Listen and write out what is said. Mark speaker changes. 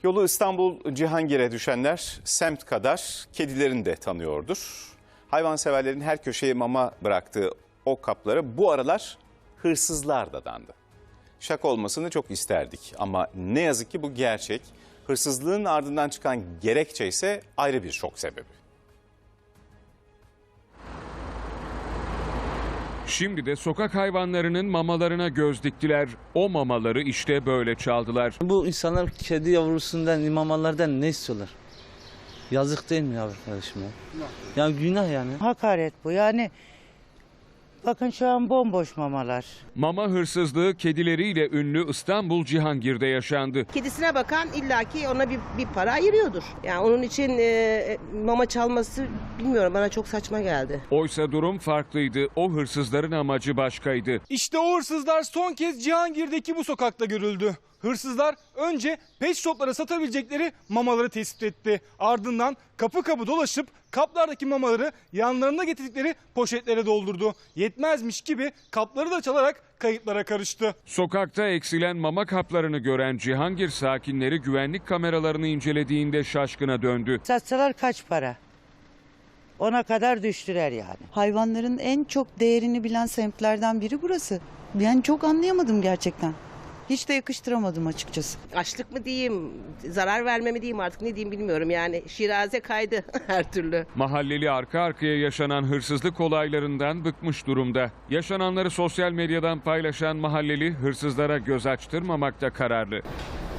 Speaker 1: Yolu İstanbul Cihangir'e düşenler semt kadar kedilerini de tanıyordur. Hayvanseverlerin her köşeye mama bıraktığı o kaplara bu aralar hırsızlar dadandı. Şaka olmasını çok isterdik ama ne yazık ki bu gerçek. Hırsızlığın ardından çıkan gerekçe ise ayrı bir şok sebebi.
Speaker 2: Şimdi de sokak hayvanlarının mamalarına göz diktiler. O mamaları işte böyle çaldılar.
Speaker 3: Bu insanlar kedi yavrusundan, mamalardan ne istiyorlar? Yazık değil mi ya arkadaşım ya? Ya günah yani.
Speaker 4: Hakaret bu yani. Bakın şu an bomboş mamalar.
Speaker 2: Mama hırsızlığı kedileriyle ünlü İstanbul Cihangir'de yaşandı.
Speaker 5: Kedisine bakan illaki ona bir para ayırıyordur. Yani onun için mama çalması bilmiyorum, bana çok saçma geldi.
Speaker 2: Oysa durum farklıydı. O hırsızların amacı başkaydı.
Speaker 6: İşte o hırsızlar son kez Cihangir'deki bu sokakta görüldü. Hırsızlar önce pet shoplara satabilecekleri mamaları tespit etti. Ardından kapı kapı dolaşıp kaplardaki mamaları yanlarında getirdikleri poşetlere doldurdu. Yetmezmiş gibi kapları da çalarak kayıplara karıştı.
Speaker 2: Sokakta eksilen mama kaplarını gören Cihangir sakinleri güvenlik kameralarını incelediğinde şaşkına döndü.
Speaker 4: Satsalar kaç para? Ona kadar düştüler yani.
Speaker 7: Hayvanların en çok değerini bilen semtlerden biri burası. Ben çok anlayamadım gerçekten. Hiç de yakıştıramadım açıkçası.
Speaker 5: Açlık mı diyeyim, zarar verme mi diyeyim, artık ne diyeyim bilmiyorum yani. Şiraze kaydı her türlü.
Speaker 2: Mahalleli arka arkaya yaşanan hırsızlık olaylarından bıkmış durumda. Yaşananları sosyal medyadan paylaşan mahalleli hırsızlara göz açtırmamakta kararlı.